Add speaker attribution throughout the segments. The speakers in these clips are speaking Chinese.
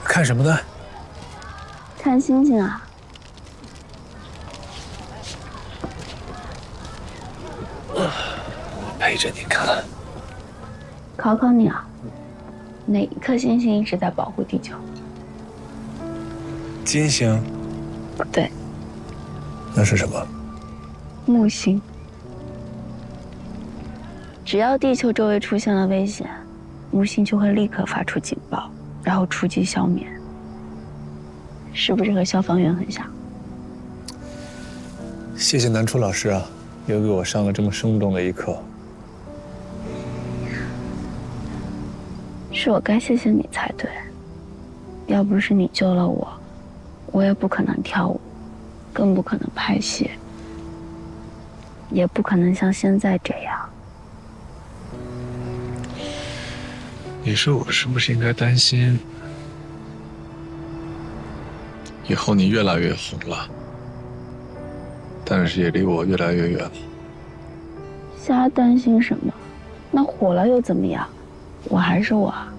Speaker 1: 看什么呢？
Speaker 2: 看星星啊。
Speaker 1: 陪着你看。
Speaker 2: 考考你啊，哪一颗星星一直在保护地球？
Speaker 1: 金星？
Speaker 2: 不对，
Speaker 1: 那是什么？
Speaker 2: 木星。只要地球周围出现了危险，木星就会立刻发出警报，然后出击消灭。是不是和消防员很像？
Speaker 1: 谢谢南初老师啊，又给我上了这么生动的一课。
Speaker 2: 是我该谢谢你才对，要不是你救了我，我也不可能跳舞，更不可能拍戏，也不可能像现在这样。
Speaker 1: 你说我是不是应该担心，以后你越来越红了，但是也离我越来越远了？
Speaker 2: 瞎担心什么？那火了又怎么样？我还是我啊。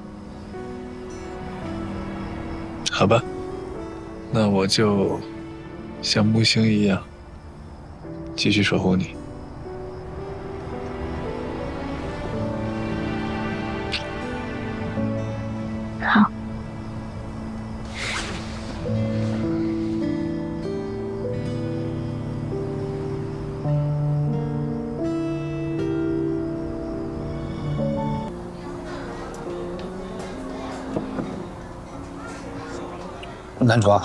Speaker 1: 好吧，那我就像木星一样，继续守护你。
Speaker 2: 好。
Speaker 3: 南卓，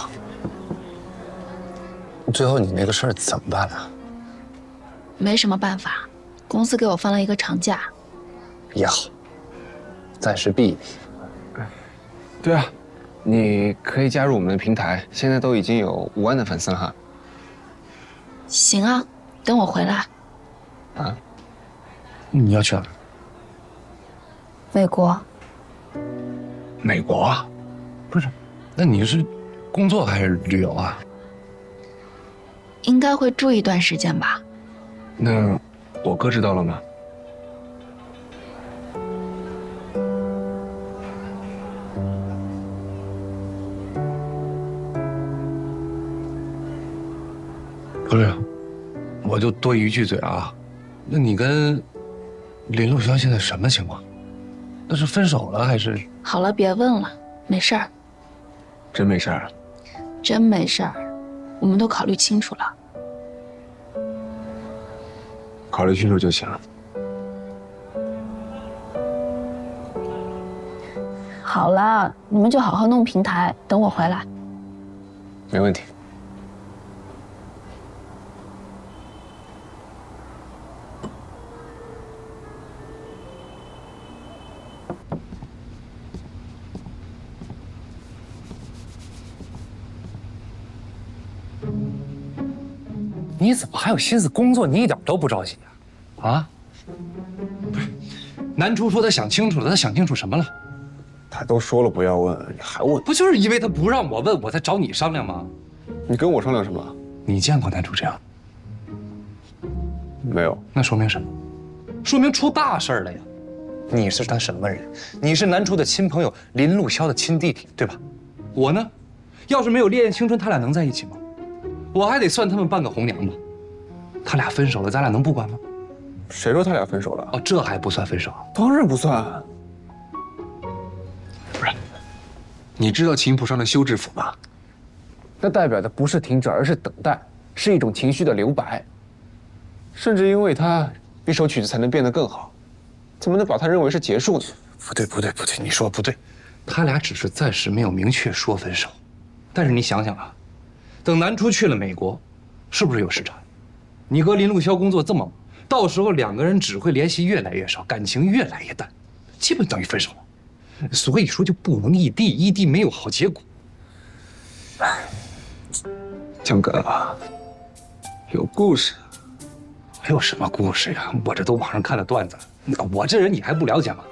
Speaker 3: 最后你那个事儿怎么办了？
Speaker 2: 没什么办法，公司给我放了一个长假。
Speaker 3: 也好，暂时避一避。对啊，你可以加入我们的平台，现在都已经有5万的粉丝了哈。
Speaker 2: 行啊，等我回来。
Speaker 3: 啊？你要去哪儿？
Speaker 2: 美国。
Speaker 3: 美国啊？不是，那你是工作还是旅游啊？
Speaker 2: 应该会住一段时间吧。
Speaker 3: 那我哥知道了吗？不是，我就多一句嘴啊，那你跟林路潇现在什么情况？那是分手了还是？
Speaker 2: 好了，别问了，没事儿。
Speaker 3: 真没事儿？
Speaker 2: 真没事儿，我们都考虑清楚了。
Speaker 3: 考虑清楚就行。
Speaker 2: 好了，你们就好好弄平台，等我回来。
Speaker 3: 没问题。你怎么还有心思工作？你一点都不着急啊？啊？不是，南初说他想清楚了，他想清楚什么了？
Speaker 4: 他都说了不要问，你还问？
Speaker 3: 不就是因为他不让我问，我才找你商量吗？
Speaker 4: 你跟我商量什么？
Speaker 3: 你见过南初这样？
Speaker 4: 没有。
Speaker 3: 那说明什么？说明出大事了呀！你是他什么人？你是南初的亲朋友林路潇的亲弟弟，对吧？我呢，要是没有烈焰青春，他俩能在一起吗？我还得算他们半个红娘吧。他俩分手了，咱俩能不管吗？
Speaker 4: 谁说他俩分手了？
Speaker 3: 哦，这还不算分手？
Speaker 4: 当然不算。
Speaker 3: 不是，你知道琴谱上的休止符吗？
Speaker 4: 那代表的不是停止，而是等待，是一种情绪的留白。甚至因为它，一首曲子才能变得更好。怎么能把它认为是结束呢？
Speaker 3: 不对，你说不对。他俩只是暂时没有明确说分手，但是你想想啊，等南初去了美国，是不是有时差？你和林路潇工作这么忙，到时候2个人只会联系越来越少，感情越来越淡，基本等于分手了。所以说就不能异地，异地没有好结果。
Speaker 4: 江哥，有故事。
Speaker 3: 有什么故事呀？我这都网上看的段子，我这人你还不了解吗？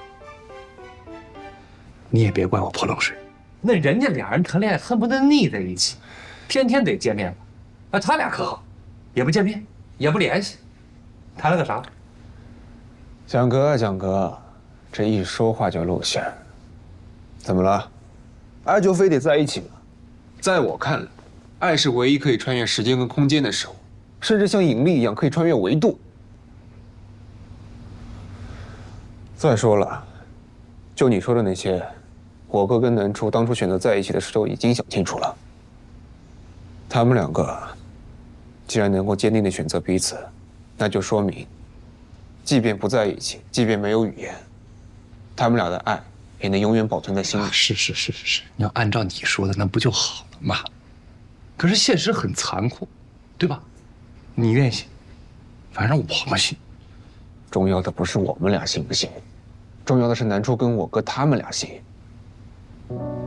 Speaker 3: 你也别怪我泼冷水，那人家俩人谈恋爱恨不得腻在一起，天天得见面了。他俩可好，也不见面，也不联系，谈了个啥？
Speaker 4: 蒋哥，这一说话就露馅。怎么了？ 爱就非得在一起吗？在我看来，爱是唯一可以穿越时间跟空间的事物，甚至像引力一样可以穿越维度。再说了，就你说的那些，我哥跟南初当初选择在一起的时候已经想清楚了。他们两个既然能够坚定地选择彼此，那就说明，即便不在一起，即便没有语言，他们俩的爱也能永远保存在心里。
Speaker 3: 是，你要按照你说的，那不就好了吗？可是现实很残酷，对吧？你愿意信，反正我不信。
Speaker 4: 重要的不是我们俩信不信，重要的是南初跟我哥他们俩信。